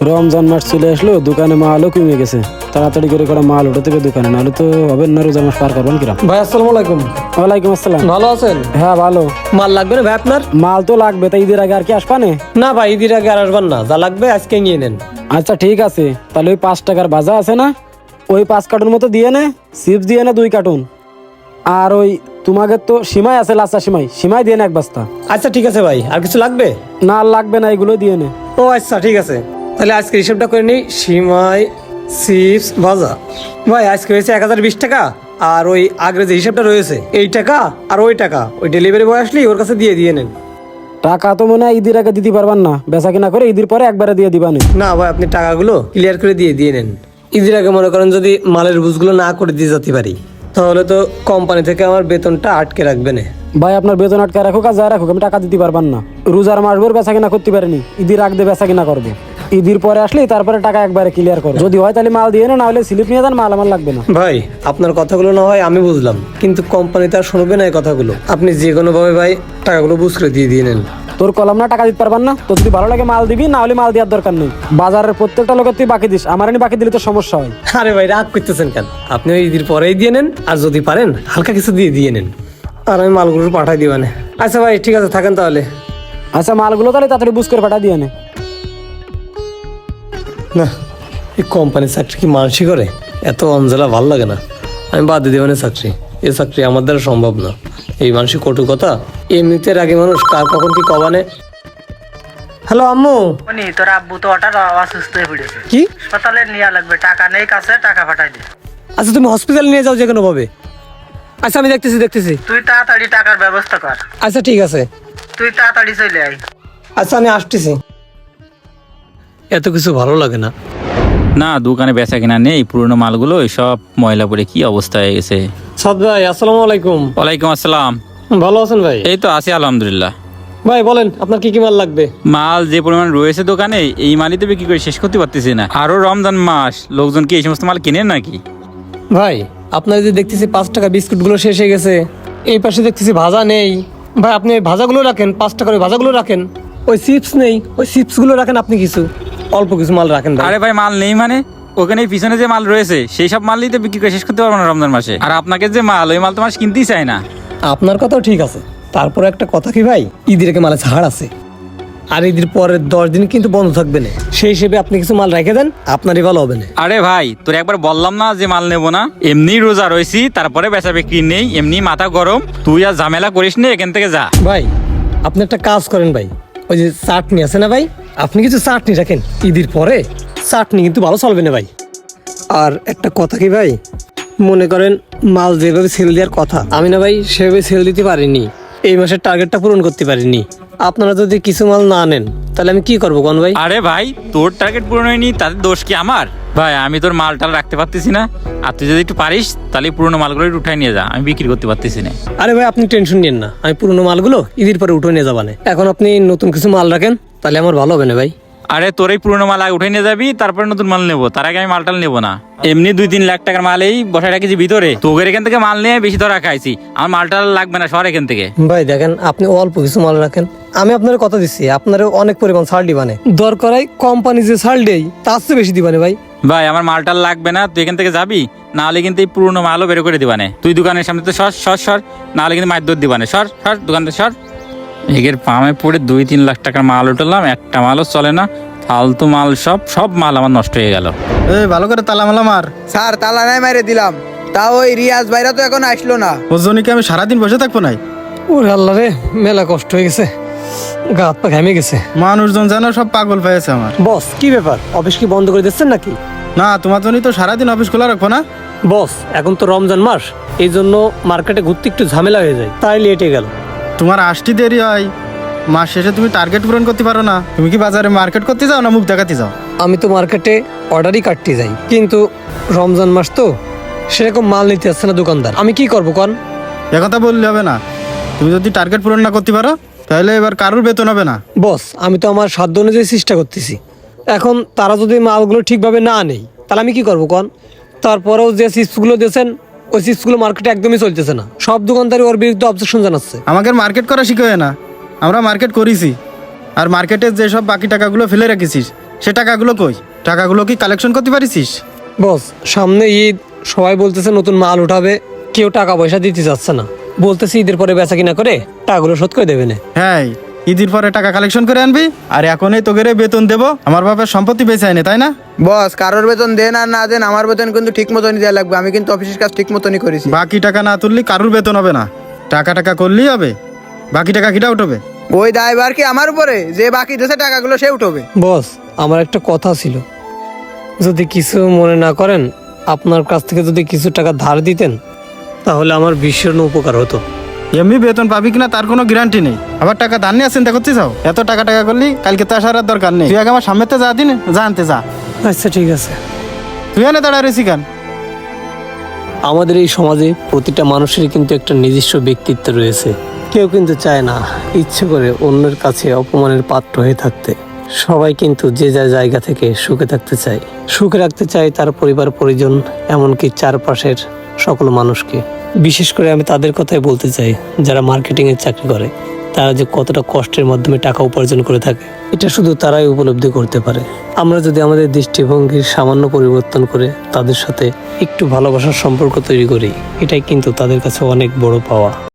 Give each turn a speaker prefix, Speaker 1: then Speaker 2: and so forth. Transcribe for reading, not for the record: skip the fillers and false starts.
Speaker 1: রমজান মাস চলে আসলো, দোকানে মালও কমে গেছে। তাড়াতাড়ি করে করা মাল উঠে থেকে দোকানে, নাহলে তো হবে না। রোজার মাস পার করবেন কিরাম?
Speaker 2: ভাই আসসালামু আলাইকুম।
Speaker 1: ওয়ালাইকুম আসসালাম।
Speaker 2: ভালো আছেন?
Speaker 1: হ্যাঁ ভালো।
Speaker 2: মাল লাগবে না ভাই আপনার?
Speaker 1: মাল তো লাগবে, তাই ঈদের আগে আর কি আসবানে?
Speaker 2: না ভাই, ঈদের আগে আর আসবেন না, যা লাগবে আজকে নিয়ে নেন।
Speaker 1: আচ্ছা ঠিক আছে, তাহলে ওই 5 টাকার ভাজা আছে না, ওই 5 কার্টুন মতো দিয়ে নে। চিপস দিয়ে নে 2 কার্টুন। আর ওই তোমাদের তো সিমাই আছে, লাচা সিমাই দিয়ে নে 1 বস্তা।
Speaker 2: আচ্ছা ঠিক আছে ভাই, আর কিছু লাগবে?
Speaker 1: না আর লাগবে না, এগুলো দিয়ে নে।
Speaker 2: ও আচ্ছা ঠিক আছে, তাহলে আজকে হিসাবটা করে নিই। সিমাই, চিপস, ভাজা। ভাই আজকে হয়েছে 1020 টাকা। আর ওই আগের যে হিসাবটা রয়েছে এই টাকা আর ওই টাকা ওই ডেলিভারি বয় আসলেই ওর কাছে দিয়ে নেন।
Speaker 1: টাকা তো মনে হয় ঈদের আগে দিতে পারবেন না, বেচা কিনা করে ঈদের পরে একবারে দিয়ে দিবানে।
Speaker 2: না ভাই, আপনি টাকাগুলো ক্লিয়ার করে দিয়ে নেন। ঈদের আগে মনে করেন যদি মালের বুঝগুলো না করে দিয়ে যেতে পারি, তাহলে তো কোম্পানি থেকে আমার বেতনটা আটকে রাখবে না।
Speaker 1: ভাই আপনার বেতন আটকে রাখুক আর যা রাখুক, আমি টাকা দিতে পারবান না। রোজার মাস ভোর বেচা কিনা করতে পারিনি, ঈদের আগে দিয়ে বেচা কিনা করবো। ঈদের পরে আসলেই তারপরে টাকা একবারে ক্লিয়ার করো। যদি হয় তাহলে মাল দিয়ে না হলে স্লিপ নিয়ে যান, মাল আমার লাগবে না।
Speaker 2: ভাই আপনার কথাগুলো না হয় আমি বুঝলাম, কিন্তু কোম্পানি তো আর শুনবে না এই কথাগুলো। আপনি যে কোনো ভাবে ভাই টাকাগুলো বুঝ করে দিয়ে নেন।
Speaker 1: তোর কলম না, টাকা দিতে পারবান না। তো যদি ভালো লাগে মাল দিবি, না হলে মাল দেওয়ার দরকার নেই। বাজারের প্রত্যেকটা লোকের তুই বাকি দিস, আমার বাকি দিলে তো সমস্যা হয়।
Speaker 2: আরে ভাই রাগ করতেছেন কেন? আপনি ওই ঈদের পরেই দিয়ে নেন, আর যদি পারেন হালকা কিছু দিয়ে নেন, আর আমি মালগুলো পাঠাই দিবানে। আচ্ছা ভাই ঠিক আছে, থাকেন তাহলে।
Speaker 1: আচ্ছা মালগুলো তাহলে তাড়াতাড়ি বুঝ করে পাঠা দিয়ে নে।
Speaker 2: না, এই কোম্পানির চাকরি কি মানসি করে? এত অঞ্জলা ভাল লাগে না, আমি বাদ দিয়ে দেবানে চাকরি। এই চাকরি আমার দ্বারা সম্ভব না। এই মানসিক কটু কথা এমনিতে আগে মানুষ কার কখন কি কবানে। হ্যালো আম্মু।
Speaker 3: তোর আব্বু তো হঠাৎ অসুস্থ হয়ে পড়েছে,
Speaker 2: কি?
Speaker 3: হাসপাতালে নিয়ে লাগবে, টাকা নেই কাছে, টাকা পাঠাই দে।
Speaker 2: আচ্ছা তুমি হসপিটাল নিয়ে যাও যে কোনো ভাবে। আচ্ছা আমি দেখতেছি।
Speaker 3: তুই তাড়াতাড়ি টাকার ব্যবস্থা কর।
Speaker 2: আচ্ছা ঠিক আছে,
Speaker 3: তুই তাড়াতাড়ি চলে আয়।
Speaker 2: আচ্ছা আমি আসতেছি। এত কিছু ভালো লাগে না।
Speaker 4: না, দোকানে বেচা কিনা নেই, পুরনো মালগুলো সব ময়লা পড়ে কি অবস্থা হয়ে গেছে।
Speaker 2: সাদ ভাই আসসালামু আলাইকুম।
Speaker 4: ওয়ালাইকুম আসসালাম।
Speaker 2: ভালো আছেন ভাই?
Speaker 4: এই তো আছি আলহামদুলিল্লাহ।
Speaker 2: ভাই বলেন আপনার কি কি মাল লাগবে?
Speaker 4: মাল যে পরিমাণ রয়েছে দোকানে, এই মালই তো বিক্রি করে শেষ করতে পারতেছি না। আরো রমজান মাস, লোকজন কি এই সমস্ত মাল কিনে নাকি?
Speaker 2: ভাই আপনার যে দেখতেছি 5 টাকা বিস্কুটগুলো শেষ হয়ে গেছে, এই পাশে দেখতেছি ভাজা নেই। ভাই আপনি ওই ভাজাগুলো রাখেন, 5 টাকার ওই ভাজাগুলো রাখেন। ওই চিপস নেই, ওই চিপসগুলো রাখেন। আপনি কিছু অল্প কিছু মাল রাখেন ভাই।
Speaker 4: আরে ভাই মাল নেই মানে? ওখানে পিছনে যে মাল রয়েছে সেই সব মালই তো বিক্রি করে শেষ করতে পারবো না রমজান মাসে। আর আপনাকে যে মাল, ওই মাল তো মানুষ কিনতেই চায় না।
Speaker 2: আপনার কথাও ঠিক আছে, তারপরে একটা কথা কি ভাই, ঈদের আগে মালে ছাড় আছে, আর ঈদের পরের 10 দিন কিন্তু বন্ধ থাকবে না। সেই হিসেবে আপনি কিছু মাল রেখে দেন, আপনারই ভালো হবে না।
Speaker 4: আরে ভাই তোর একবার বললাম না যে মাল নেবো না? এমনি রোজা রয়েছি, তারপরে বেচা বিক্রি নেই, এমনি মাথা গরম। তুই আর ঝামেলা করিস নি, এখান থেকে যা।
Speaker 2: ভাই আপনি একটা কাজ করেন ভাই, ওই যে চাটনি আছে না ভাই, আপনি কিছু চাটনি রাখেন। ঈদের পরে চাটনি কিন্তু ভালো চলবে না ভাই। আর একটা কথা কি ভাই, মনে করেন মাল যেভাবে সেল দেওয়ার কথা, আমি না ভাই সেভাবে সেল দিতে পারিনি, এই মাসের টার্গেটটা পূরণ করতে পারিনি। আপনারা যদি কিছু মাল না নেন তাহলে আমি কি করবো কোন ভাই?
Speaker 4: আরে ভাই তোর টার্গেট পূরণ হয়নি, তাদের দোষ কি আমার? ভাই আমি তোর মালটাল রাখতে পারতেছি না, আর তুই যদি একটু পারিস তাহলে পুরোনো মালগুলো একটু উঠাই নিয়ে যা, আমি বিক্রি করতে পারতেছি না।
Speaker 2: আরে ভাই আপনি টেনশন নিন না, আমি পুরোনো মালগুলো ঈদের পরে উঠে নিয়ে যাবানে। এখন আপনি নতুন কিছু মাল রাখেন, তাহলে আমার ভালো হবে না ভাই।
Speaker 4: আরে তোর এই পুরোনো মাল আগে উঠে নিয়ে যাবি, তারপরে নতুন মাল নেবো, তার আগে আমি মালটাল নেবো না। এমনি 2-3 লাখ টাকার মাল এই বসায় রাখিছি ভিতরে, তোদের এখান থেকে মাল নিয়ে বেশি ধরা খাইছি। আমার মালটাল লাগবে না, সর এখান থেকে।
Speaker 2: ভাই দেখেন আপনি অল্প কিছু মাল রাখেন, আমি আপনার কথা দিচ্ছি, আপনারও অনেক পরিমাণ ছাড় দিবানে। দরকার হয় কোম্পানি যে ছাড় দেয় তার চেয়ে বেশি দিবানে ভাই।
Speaker 4: ভাই আমার মালটাল লাগবে না, তুই এখান থেকে যাবি, না হলে কিন্তু এই পুরোনো মালও বের করে দিবানে। তুই দোকানের সামনে তো সর, না হলে কিন্তু মায়ের দৌড় দিবানে। সর দোকান থেকে সর। এগের পামে পড়ে 2-3 লাখ টাকার মাল উঠলাম, একটা মালও চলে না, ফালতু মাল। সব মাল আমার নষ্ট হয়ে গেল।
Speaker 1: ভালো করে তালা মালা মার।
Speaker 5: স্যার তালা নাই মারে দিলাম, তা ওই রিয়াজ ভাইরা তো এখন আসলো না।
Speaker 1: ওর জন্য কি আমি সারাদিন বসে থাকবো নাই?
Speaker 2: ওরে আল্লাহ রে, মেলা কষ্ট হয়ে গেছে, গা হাত পা ঘেমে গেছে।
Speaker 1: মানুষজন যেন সব পাগল পেয়েছে আমার।
Speaker 2: বস কি ব্যাপার, অফিস কি বন্ধ করে দিচ্ছেন নাকি?
Speaker 1: না, তোমার জন্যই তো সারাদিন অফিস খোলা রাখবো না।
Speaker 2: বস এখন তো রমজান মাস, এই জন্য মার্কেটে ঘুরতে একটু ঝামেলা হয়ে যায়, তাই লেটে গেল।
Speaker 1: তোমার আসতে দেরি হয়, মাস শেষে তুমি টার্গেট পূরণ করতে পারো না। তুমি কি বাজারে মার্কেট করতে যাও না মুখ দেখাতে যাও?
Speaker 2: আমি তো মার্কেটে অর্ডারই কাটতে যাই, কিন্তু রমজান মাস তো সেরকম মাল নিতে আসছে না দোকানদার, আমি কি করবো কন?
Speaker 1: একথা বললে হবে না। তুমি যদি টার্গেট পূরণ না করতে পারো তাহলে এবার কারোর বেতন হবে না।
Speaker 2: বস আমি তো আমার সাধ্য অনুযায়ী চেষ্টা করতেছি, এখন তারা যদি মালগুলো ঠিকভাবে না নেই তাহলে আমি কি করবো কন? তারপরেও যে চিপসগুলো দিয়েছেন ওই চিপসগুলো মার্কেটে একদমই চলতেছে না, সব দোকানদারই ওর বিরুদ্ধে অবজেকশন জানাচ্ছে।
Speaker 1: আমাকে মার্কেট করা শিখে না, আমরা মার্কেট করেছি। আর মার্কেটে যেসব বাকি টাকাগুলো ফেলে রেখেছিস
Speaker 6: সে টাকাগুলো কই? টাকাগুলো কি কালেকশন করতে পারিস?
Speaker 2: বস, সামনে ঈদ, সবাই বলতেছে নতুন মাল উঠাবে, কেউ টাকা পয়সা দিতে যাচ্ছে না। বলতেছে ঈদের পরে বেচা কিনা করে টাকাগুলো শোধ করে দেবে না।
Speaker 6: হ্যাঁ, ঈদের পরে টাকা কালেকশন করে আনবি, আর এখনই তোকে বেতন দেবো। আমার বাপের সম্পত্তি বেঁচে আইনে, তাই না?
Speaker 5: বস, কারোর বেতন দেন আর না দেন, আমার বেতন কিন্তু ঠিক মতনই দেওয়া লাগবে। আমি কিন্তু অফিসের কাজ ঠিক মতনই করেছি।
Speaker 6: বাকি টাকা না তুললি কারুর বেতন হবে না। টাকা করলেই হবে, বাকি টাকা কিটা উঠবে?
Speaker 5: ওই দায়ভার কি আমার উপরে? যে বাকি দেশে টাকাগুলো সে উঠবে।
Speaker 2: বস, আমার একটা কথা ছিল, যদি কিছু মনে না করেন, আপনার কাছ থেকে যদি কিছু টাকা ধার দিতেন তাহলে আমার ভীষণ উপকার হতো।
Speaker 6: এমনি বেতন পাবি কিনা তার কোনো গ্যারান্টি নেই। আবার টাকা ধার নিয়ে আসেন, দেখতে চাও? এত টাকা করলি কালকে তো আসার আর দরকার নেই। তুই আগে আমার সামনে তো যা দিন, যা আনতে যা।
Speaker 2: আচ্ছা ঠিক আছে।
Speaker 6: তুই এনে দাঁড়া রয়েছি কেন?
Speaker 2: আমাদের এই সমাজে প্রতিটা মানুষেরই কিন্তু একটা নিজস্ব ব্যক্তিত্ব রয়েছে। কেউ কিন্তু চায় না ইচ্ছে করে অন্যের কাছে অপমানের পাত্র হয়ে থাকতে। সবাই কিন্তু যে যা জায়গা থেকে সুখে থাকতে চায়, সুখে রাখতে চায় তার পরিবার পরিজন, এমনকি চারপাশের সকল মানুষকে। বিশেষ করে আমি তাদের কথাই বলতে চাই যারা মার্কেটিংয়ের চাকরি করে। তারা যে কতটা কষ্টের মাধ্যমে টাকা উপার্জন করে থাকে এটা শুধু তারাই উপলব্ধি করতে পারে। আমরা যদি আমাদের দৃষ্টিভঙ্গির সামান্য পরিবর্তন করে তাদের সাথে একটু ভালোবাসার সম্পর্ক তৈরি করি, এটাই কিন্তু তাদের কাছে অনেক বড় পাওয়া।